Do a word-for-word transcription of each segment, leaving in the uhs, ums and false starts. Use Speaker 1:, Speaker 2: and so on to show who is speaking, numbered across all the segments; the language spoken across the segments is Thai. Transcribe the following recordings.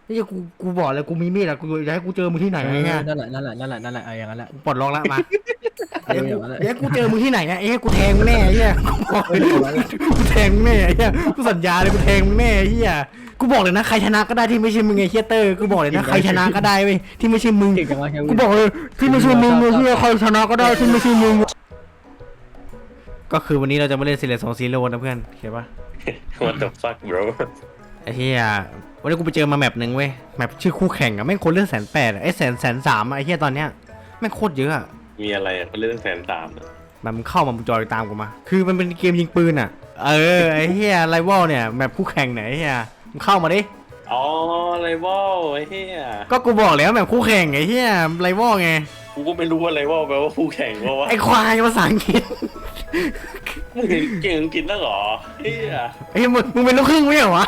Speaker 1: ไอ้เหี้ยกูกูบอกเลยกูมีมีดอะกูจะให้กูเจอมึงที่ไหน
Speaker 2: เอ
Speaker 1: ไอ้
Speaker 2: อ
Speaker 1: เงี้ย
Speaker 2: นั่นแหละนั่นแหละนั่นแหละนั่นแหละไอ้อย่างนั้นแหละ
Speaker 1: ปลดล็อกแล้วมา
Speaker 2: เอ
Speaker 1: เดี๋ยว
Speaker 2: ออ
Speaker 1: กู
Speaker 2: ย่างนั้นแหละ
Speaker 1: เดี๋ยวกูเจอมึงที่ไหนอะไอ้เหี้ยกูแทงมึงแน่ไอ้เหี้ยกูบอกเลยกูแทงมึงแน่ไอ้เหี้ยกูสัญญาเลยกูแทงมึงแน่ไอ้เหี้ยกูบอกเลยนะใครชนะก็ได้ที่ไม่ใช่มึงไอ้เหี้ยเตอร์กูบอกเลยนะใครชนะก็ได้เว้ยที่ไม่ใช่มึง
Speaker 2: เก่งจังวะ
Speaker 1: กูบอกเลยที่ไม่ใช่มึงไอ้เหี้ยใครชนะก็ได้ที่ไม่ใช่มึงก็คือวันนี้เราจะมาเล่นซีเรียสสองซีโร่นะเพื่อนเห็นปะ
Speaker 3: What the fuck bro
Speaker 1: ไอ้เหี้ยวันนี้กูไปเจอมาแมปหนึ่งเว้ยแมปชื่อคู่แข่งอะแม่งคนเล่นแสนแปดไอ้แสนแสนสามไอ้เหี้ยตอนเนี้ยแม่งโคตรเยอะอะ
Speaker 3: มีอะไรอ่ะเขาเล่นแสนสาม
Speaker 1: มันเข้ามามึงจอยตามกูมาคือมันเป็นเกมยิงปืนอะเออไอ้เหี้ยไรวอลเนี่ยแมปคู่แข่งไหนไอ้เหี้ยมึงเข้ามาดิ
Speaker 3: อ๋อไรวอลไอ้เหี้ย
Speaker 1: ก็กูบอกแล้วแมปคู่แข่งไอ้เหี้ยไรวอลไง
Speaker 3: กูก็ไม่รู้ว่าไรวอลแปลว่าคู่แข่งเพราะว่า
Speaker 1: ไอ้ควายภาษาอังกฤษ
Speaker 3: มึงเก่งอังกฤษแล้วเหรอเหี้ย
Speaker 1: ไอ้มึงมึงเป็นลูกครึ่งไม่เหรอวะ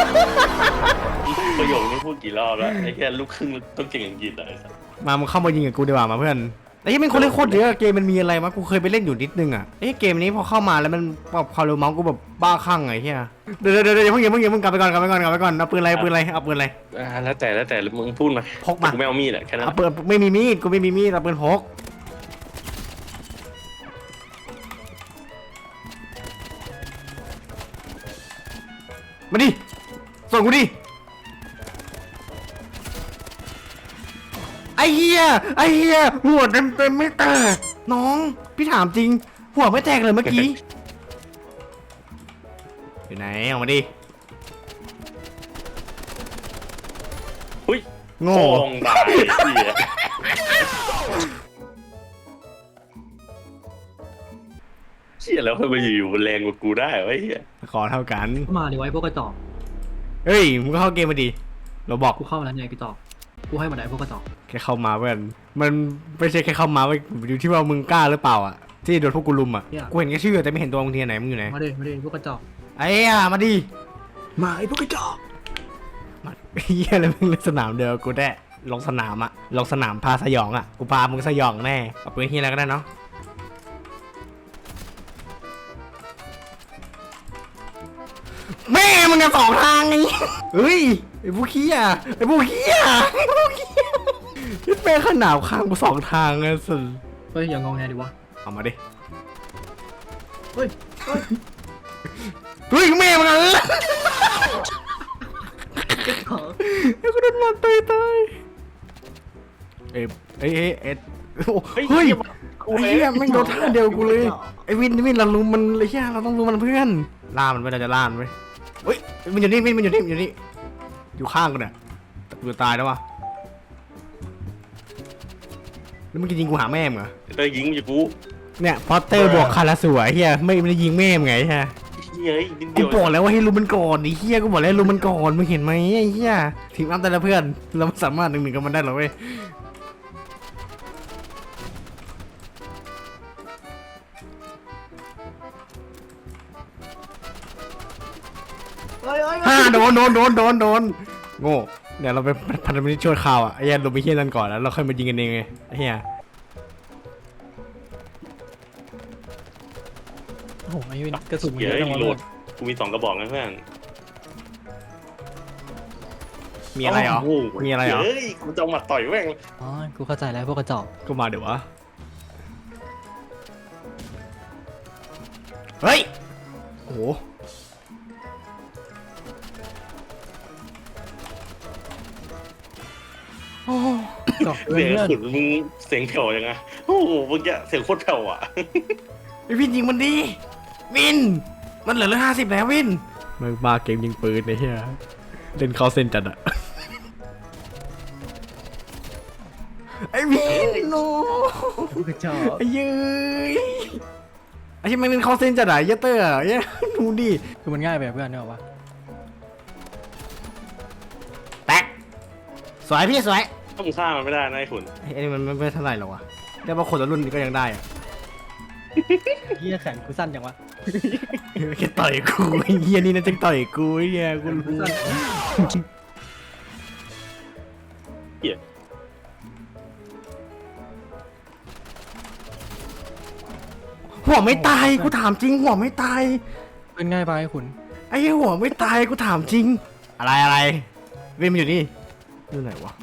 Speaker 3: ประโยคนี้พูดกี่รอบแล้วไอ้แค่ลูกครึ่งต้องเก่งอังกฤษอะไรสัก
Speaker 1: มามึงเข้ามายิงกับกูดีกว่ามาเพื่อนไอ้ที่มันคนเล่นโคตรเยอะเกมมันมีอะไรมากูเคยไปเล่นอยู่นิดนึงอ่ะไอ้เกมนี้พอเข้ามาแล้วมันแบบความเร็วเมาส์กูแบบบ้าคลั่งไงเฮียเดี๋ยวเดี๋ยวเดี๋ยวเพิ่งอย่าเพิ่งอย่าเพิ่งกลับไปก่อนกลับไปก่อนกลับไปก่อนเอาปืนอะไรปืนอะไรเอาปืนอะไร
Speaker 3: อ่าแล้วแต่แล้วแต่มึงพูดมา
Speaker 1: พกมา
Speaker 3: กูไม่เอามีดอ่ะแค่นั้น
Speaker 1: เอาปืนไม่มีมีดกูไม่มีมีดเอาปืนพกมาดิส่งกูดิไอ้เหี้ยไอ้เหี้ยหัวเต็มเต็มไม่แตกน้องพี่ถามจริงหัวไม่แตกเลยเมื่อกี้อยู่ไหนออกมาดิ
Speaker 3: หุ้ย
Speaker 1: โง่
Speaker 3: โง่ตายเหี้ยเชี่ยแล้วทำไมอยู่ๆมันแรงกว่ากูได้วะไอ้เหี้ย
Speaker 1: ขอเท่ากัน
Speaker 2: มาดิไว้พวกกระจอก
Speaker 1: เฮ้ยมึงก็เข้าเกมมาดิเราบอก
Speaker 2: กูเข้ามาแล้วไงกระจอกกูให้มาได้พวกกระจอก
Speaker 1: แค่เข้ามาเพื่อนมันไม่ใช่แค่เข้ามาเว้ยอยู่ที่ว่ามึงกล้าหรือเปล่าอ่ะที่โดนพวกกูลุมอ่ะกูเห็นแค่ชื่อแต่ไม่เห็นตัวมึงทีไหนมึงอยู่ไหน
Speaker 2: มาดิมาดิพวกกระจอก
Speaker 1: ไอ้อะมาดิ
Speaker 2: มาไอ้พวกกระจอก
Speaker 1: มาเฮียอะไรมึงเล่นสนามเดียวกูได้ลงสนามอ่ะลงสนามพาสยองอ่ะกูพามึงสยองแน่เอาปืนเฮียอะไรก็ได้เนาะแม่มึงกันสองทางไงเฮ้ยไอ้พวกเฮียไอ้พวกเฮียไอ้พวกเฮียยึดแม่ขนาดข้างกูสองทางเลยสุด
Speaker 2: เฮ้ยอย่างงงไงดิวะ
Speaker 1: เอามาดิ
Speaker 2: เฮ้ยเฮ้ย
Speaker 1: เฮ้ยแม่มึงอ่ะ
Speaker 2: กระจอก
Speaker 1: ไอ้กูโดนมันตายตายเอ้ยเอ้ยเอ้ยเอ็ดโอ้เฮ้ยไอ้เหี้ยแม่งโดนท่าเดียวกูเลยไอ้วินวินเรารู้มันเลยเหี้ยเราต้องรู้มันเพื่อนล่ามันไม่เราจะล่ามันไหมเฮ้ยมันอยู่นี่วินมันอยู่นี่มันอยู่นี่อยู่ข้างกูเนี่ยแต่กูจะตายแล้ววะแล้วมึงจะยิงกูหาแม่มึงเหรอ
Speaker 3: เตยยิงอยู่กู
Speaker 1: เนี่ยพอเตอร์บวกคาราสวยเฮียไม่ไม่ได้ยิงแม่มึงไงฮะ
Speaker 3: เฮ้ยนิด
Speaker 1: กู
Speaker 3: เดียว
Speaker 1: บอกแล้วว่าให้รู้มันก่อนไอ้เฮียกูบอกแล้วให้รู้มันก่อนมึงเห็นไหมไอ้เฮียทีมอัพแต่ละเพื่อนเราไม่สามารถหนึ่งหนึ่งกับมันได้หรอกเว้ย
Speaker 2: เฮ้ยเฮ้ย
Speaker 1: ฮ่าโดนโดนโดนโดนโดนโง่เดี๋ยวเราไปพันธมิตรช่วยข่าวอ่ะไอ้เหี้ยลงไปเฮียนั่นก่อนแล้วเราค่อยมายิงกันเองไงไอ้เฮีย
Speaker 2: โอ้โหไอ้วินกระสุนมัน
Speaker 3: เฮ้
Speaker 2: เย
Speaker 3: ย
Speaker 2: อะจังวะ
Speaker 3: โหลดกูมีสองกระบอกนะเพื่อน
Speaker 1: มีอะไรเหรอ
Speaker 3: โโ
Speaker 1: มีอะไรเหรอ
Speaker 3: เฮ้ยกูจะเอาหมัดต่อยแม่ง
Speaker 2: อ๋อกูเข้าใจแล้วพวกกระจอก
Speaker 1: ก็มาเดี๋ยววะเฮ้ยโอ้โห โอ้โห
Speaker 2: จอก
Speaker 3: เสียง
Speaker 2: เพื่อน
Speaker 3: ขุนมึงเสียงแผ่วยังไงโอ้โหเมื่อกี้เสียงโคตรแผ่วอ่ะ
Speaker 1: ไอวินยิงมันดีวินมันเหลือเหลือห้าสิบแล้ววินมึงมาเกมยิงปืนไอ้เหี้ยเล่นเข้าเส้นจัดอะไอ้วินโน
Speaker 2: พวกกระจอก
Speaker 1: ไอ้เย้ยไอ้ที่มันเล่นเข้าเส้นจัดอะเหี้ยเตอร์อะเหี้ยดูดิ
Speaker 2: คือมันง่ายไปเพื่อนเนี่ยหรอวะ
Speaker 1: แตกสวยพี่สวย
Speaker 3: ถ้ามึงฆ่ามันไม่ได้นะไอ้ขุน
Speaker 1: ไอ้นี่มันไม่เท่าไหร่หรอกวะแต่ว่าคนละรุ่นก็ยังได้อะ
Speaker 2: เฮียแขนกูสั้นจังวะ
Speaker 1: แค่ต่อยกูไอ้เหี้ยนี่นะจะต่อยกูไอ้เหี้ยกู
Speaker 2: กู
Speaker 1: รู้
Speaker 2: สั้น
Speaker 3: เหี้ย
Speaker 1: หัวไม่ตายกูถามจริงหัวไม่ตาย
Speaker 2: เป็นง่ายไปไอ้ขุน
Speaker 1: ไอ้เหี้ยหัวไม่ตายกูถามจริง อะไรอะไรวินมันอยู่นี่อยู่ไหนวะ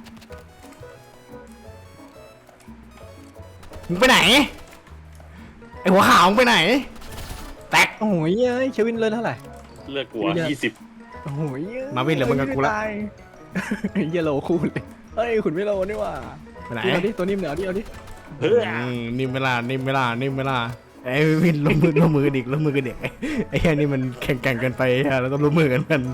Speaker 1: มึงไปไหนไอหัวขาวมึงไปไหนแตก
Speaker 2: โอ้ยเอ้ยเควินเลิศเท่าไหร่
Speaker 3: เลือกกูยี่สิบ
Speaker 2: โอ้ย
Speaker 1: มาวินเหลือมึงกับกูละ
Speaker 2: ตายเยลโลคู่เลยเฮ้ยขุนไม่โลนี่ว่า
Speaker 1: ไปไหน
Speaker 2: เอาดิตัวนิ่มเอาดิเอาดิ
Speaker 3: เฮ้ย
Speaker 1: อืมนิ่มเวลานิ่มเวลานิ่มเวลาไอ้วินลงมือลงมือกันอีกลงมือกันเด็กไอ้แค่นี้มันแข่งแข่งกันไปฮะเราต้องลงมือกันกัน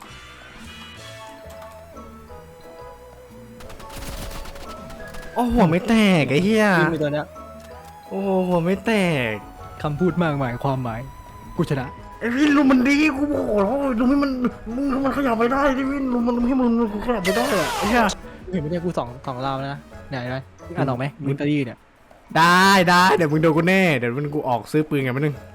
Speaker 1: โอ้หัวไม่แตกไอ้เหี้ย
Speaker 2: นิ่มไปตัวเนี้ย
Speaker 1: โอ้หัวไม่แตก
Speaker 2: คำพูดมากมายความหมายกูชนะ
Speaker 1: ไอ้วินลุมมันดีกูบอกแล้วลุมให้มันมึงมันขยับไปได้ดิวินลุมมันให้มึงกูขยับไปได้อะไอ้เหี้ย
Speaker 2: เห็นไหมเนี่ยกูสองสองราวแล้วนะไหนไหนอ่านออกไหมมินเตอรี่เนี่ย
Speaker 1: ได้ได้เดี๋ยวมึงโดนกูแน่เดี๋ยวมึงกูออกซื้อปืนกันมาหนึ่ง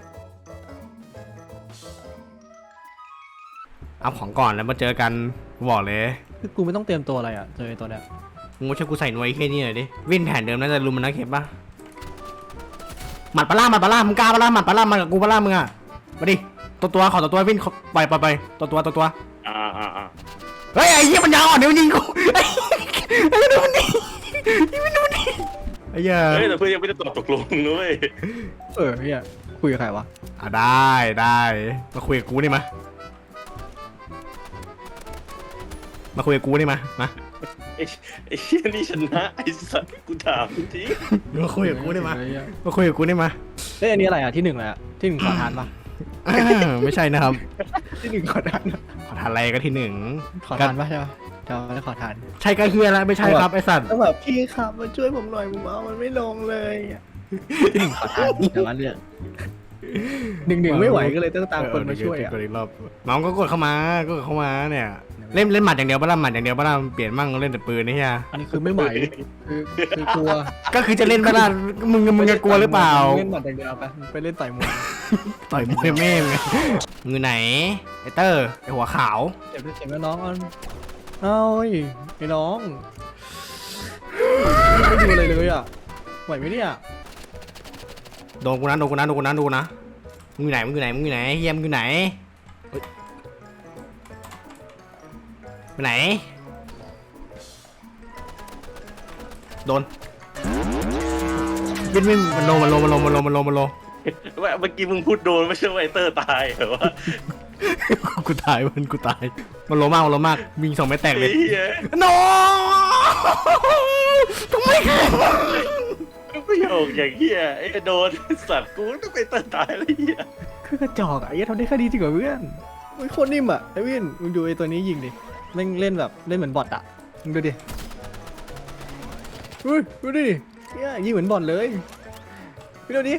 Speaker 1: เอาของก่อนแล้วมาเจอกันกูบอกเลย
Speaker 2: คือกูไม่ต้องเตรียมตัวอะไรอ่ะเจอตัวเนี้ย
Speaker 1: มึงช่วยกูใส่หน่วยแค่นี้หน่อยดิวินแผนเดิมน่าจะลุมมันนะเข็มป่ะหมัดปลาล่าหมัดปลาล่ามึงกล้าปลาล่าหมัดปลาล่ามากับกูปลาล่ามึงอ่ะมาดิตัวตัวขอตัวตัววินปล่อยปล่อยปล่อยตัวตัวตัวตัว
Speaker 3: อ่าอ่าอ่า
Speaker 1: เฮ้ยไอ้เหี้ยมันยาวอ่ะเดี๋ยวมันยิงกูไอ้ไอ้ดูมันดิมันดูมันดิไอ้เหี้ย
Speaker 3: เฮ้ยแต่เพื่อนยังไม่ได้ตอบตกลงนุ้ย
Speaker 2: เออเนี่ยคุยกับใครวะ
Speaker 1: อ่ะได้ได้มาคุยกับกูนี่มามาคุยกับกูนี่มามา
Speaker 3: ไอ้ไอ้เชี่ยนี่ชนะไอ้สัตว์กูถามจริง
Speaker 1: มาคุยกับกูนี่มามาคุยกับกูนี่มา
Speaker 2: เฮ้ยอันนี้อะไรอ่ะที่หนึ่งเลยอ่ะที่หนึ่งขอทานปะ
Speaker 1: อ่าไม่ใช่นะครับ
Speaker 2: ที่หนึ่งขอทานนะ
Speaker 1: ขอทานอะไรก็ที่หนึ่ง
Speaker 2: ขอทานปะใช่ปะเดี๋ยวไม่ได้ขอทาน
Speaker 1: ใช่ก็เฮียแล้วไม่ใช่ครับไอ้สัตว์
Speaker 2: ต้องแบบพี่ครับมาช่วยผมหน่อยผมเอามันไม่ลงเลยที่หนึ่งขอทานแต่ว่าเรื่องหนึ่งหนึ่งไม่ไหวก็เลยต้องตามคนมาช่วยอ่ะ
Speaker 1: กดอีกรอบน้องก็กดเข้ามาก็กดเข้ามาเนี่ยเล่นเล่นหมัดอย่างเดียวบ้าล่ะหมัดอย่างเดียวบ้าล่ะเปลี่ยนมั่งเล่นแต่ปืนนี่เฮีย
Speaker 2: อันนี้คือไม่ไหวคือคือกลัว
Speaker 1: ก็คือจะเล่นบ้าล่ะมึงมึงจะกลัวหรือเปล่า
Speaker 2: เล่นหมัดอย่างเดียวไปไปเล่นต่อยมวย
Speaker 1: ต่อยมวยแม่งมือไหนไอเตอร์ไอหัวขาว
Speaker 2: เจ็บด้วยเจ็บแล้วน้องเอาเอาไอ้น้องไม่ดูอะไรเลยอ่ะไหวไหมเนี่ย
Speaker 1: โดนกูนะโดนกูนะโดนกูนะโดนกูนะมึงอยู่ไหนมึงอยู่ไหนมึงอยู่ไหนเฮียมึงอยู่ไหนเฮ้ยไปไหนโดนวินวินมันโลมันโลมันโลมันโลมันโลมันโล
Speaker 3: ๆว่าเมื่อกี้มึงพูดโดนไม่ใช่ว่าไอ้เตอร์ตายเหรอวะ
Speaker 1: กูตายมันกูตายมันโลมากมันโลมากมีสองเม็ดแตกเล
Speaker 3: ไอ้
Speaker 1: ย
Speaker 3: เหี้ย
Speaker 1: โนทำไมแข็ง
Speaker 3: ประโยคอย่างเหี้ยไอ้โดนสัตว์กูต้องไปเตอร์ตายแล้วเหี้ย
Speaker 2: คือกระจอกอ่ะไอ้เหี้ยทำได้แค่ดีจริงกว่าเพื่อนโอ้ยโคตรนิ่มอ่ะไอ้วินมึงดูไอ้ตัวนี้ยิงดิเล่นเล่นแบบเล่นเหมือนบอทอ่ะมึงดูดิอุ้ยดูดิเนี่ยยิงเหมือนบอทเลยพี่ดูดิ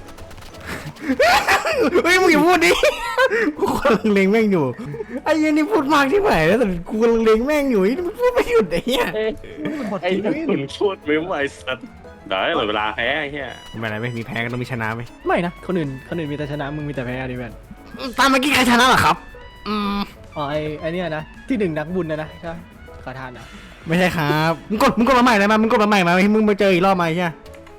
Speaker 1: เฮ้ยมึงอย่าพูดดิกูกำลังเล็งแม่งอยู่ไอ้เหี้ยันนี่พูดมากที่ไหนแล้วแต่กูกำลังเล็งแม่งอยู่ไอ้นี่มันพูดไม่หยุดไอ้เหี้ย
Speaker 3: ไอ้นั่นคุณพูดไม่ไหวสัตว์ได้เหลือเวลาแพ้ไอ้เหี้ย
Speaker 1: ไม่อะไรไหมมีแพ้ก็ต้องมีชนะไหม
Speaker 2: ไม่นะคนอื่นคนอื่นมีแต่ชนะมึงมีแต่แพ้ดิเพื่อน
Speaker 1: ตามเมื่อกี้ใครชนะเหรอครับอืม
Speaker 2: อ๋อไอ้ไอ้เนี่ยนะที่หนึ่งนักบุญนะนะใช่ขอทานอ่ะ
Speaker 1: ไม่ใช่ครับมึงกดมึงกดมาใหม่เลยมามึงกดมาใหม่มาให้มึงมาเจออีกรอบมาไอ้เหี้ย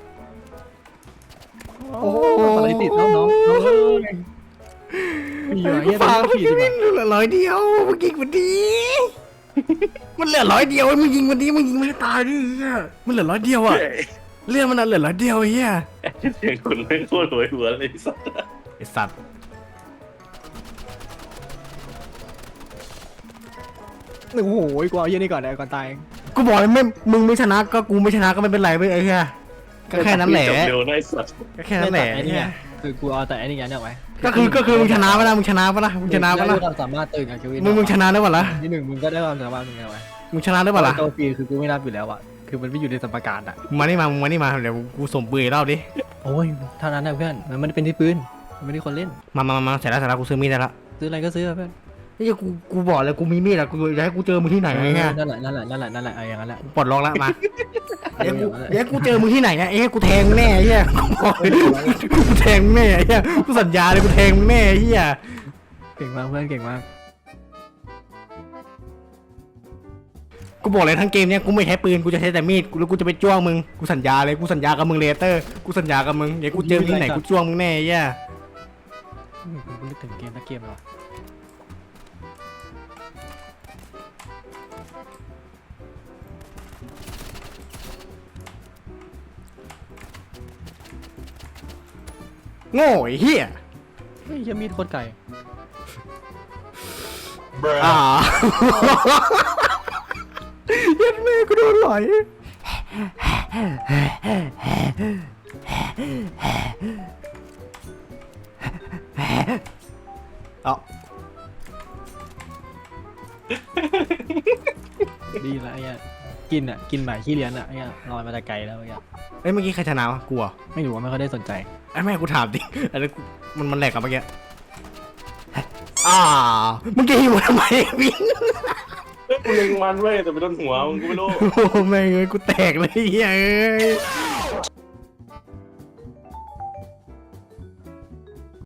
Speaker 2: โอ้โหอะไรติดน้องน้องน้องเอ้ยมีเหรอเหี้ย
Speaker 1: ฝาก
Speaker 2: ต้อง
Speaker 1: พี่
Speaker 2: ขี่ดีก
Speaker 1: วิ
Speaker 2: ว่าน
Speaker 1: เหลือร้อยเดียวมึงยิงมันดีมันเหลือร้อยเดียวมึงยิงมันดีมึงยิงไม่ได้ตายดิเหี้ยมันเหลือร้อยเดียวอ่ะเรื่องมันน่ะเหลือร้อยเดียวไอ้เหี้ย
Speaker 3: เสียงคุณไม่โคตรหวยหัวเลยสัตว์
Speaker 1: ไอ้สัตว์
Speaker 2: โอ้โหกูเอาเยี่ยนี่ก่อนเลยก่อนตาย
Speaker 1: กูบอกเลยไม่มึงไม่ชนะก็กูไม่ชนะก็ไม่เป็นไรไปไอ้เหี้ยก็แค่นั้นแหละ
Speaker 3: จบเร็วนะไอ้สัตว์
Speaker 1: ก็แค่นั้นแหละ
Speaker 2: ไอ้นี่ไงคือกูเอาแต่ไอ้นี่ไงเนี่ยไว้
Speaker 1: ก็คือก็คือมึงชนะปะล่ะมึงชนะปะล่ะมึงชนะปะล่ะ
Speaker 2: ได้ความสามารถตื่นกับชีวิต
Speaker 1: มึงมึงชนะได้ปะล่ะ
Speaker 2: ที่หนึ่งมึงก็ได้ความสามารถมึงไงไว้
Speaker 1: มึงชนะได้ปะล่ะ
Speaker 2: ตัวฟรีคือกูไม่นับอยู่แล้วอ่ะคือมันไม่อยู่ในสมการอ่ะ
Speaker 1: มึงมานี่มามึงมานี่มาเดี๋ยวกูส่งปืนอีกรอบดิ
Speaker 2: โอ้ยเท่านั้นนะเพื่อนมันไม่ได้เป็นที่ปืนมันไม่ได้คนเล่น
Speaker 1: มามามามาเสร็จแล้วเสร็จแล้วกูซื้อมีดได้ละ
Speaker 2: ซื้ออะไรก็ซื้อเพื่อน
Speaker 1: นี่กูกูบอกเลยกูมีมีดอะกูอยากให้กูเจอมึงที่ไหนไอ้เงี้ย
Speaker 2: นั่นแหละนั่นแหละนั่นแหละนั่นแหละเอาอย่างนั้นแหละ
Speaker 1: ปลดล็อกแล้วมาเดี๋ยวกูเดี๋ยวกูเจอมึงที่ไหนอะเอ้ยกูแทงมึงแน่ไอ้เหี้ยกูบอกเลยกูแทงมึงแน่ไอ้เหี้ยกูสัญญาเลยกูแทงมึงแน่ไอ้เหี้ย
Speaker 2: เก่งมากเพื่อนเก่งมาก
Speaker 1: กูบอกเลยทั้งเกมเนี้ยกูไม่ใช้ปืนกูจะใช้แต่มีดกูแล้วกูจะไปจ้วงมึงกูสัญญาเลยกูสัญญากับมึงเลเตอร์กูสัญญากับมึงเดี๋ยวกูเจอมึงที่ไหนกูจ้วงมึงแน่ไอ้เหี้ย
Speaker 2: อืมกูนึกถึงเกมนักเกมเหรอ
Speaker 1: โง่ไอ้เหี้ย
Speaker 2: เฮ้ยยังมีดโคตรไก่
Speaker 1: อ่าเย็นแม่กูโดนไหลเอา
Speaker 2: ดีละไอ้เงี้ยกินอ่ะกินหมายขี้เลี้ยนอ่ะไอ้เงี้ยลอยมาแต่ไกลแล้วไอ้เงี้ย
Speaker 1: เอ้ยเมื่อกี้ใครชนะวะกูเหรอ
Speaker 2: ไม่รู้ว่าไม่ค่อยได้สนใจ
Speaker 1: ไอ้แม่กูถามดิอันนี้มันมันแหลกกับเมื่อกี้อ่ามึงจะหิวทำไมวิน
Speaker 3: กูเล็งมันเว้ยแต่ไปโดนหัวมึงกูไม่รู้
Speaker 1: โอ้แม่งเอ้ยกูแตกเลยเฮ้ยเอ้ย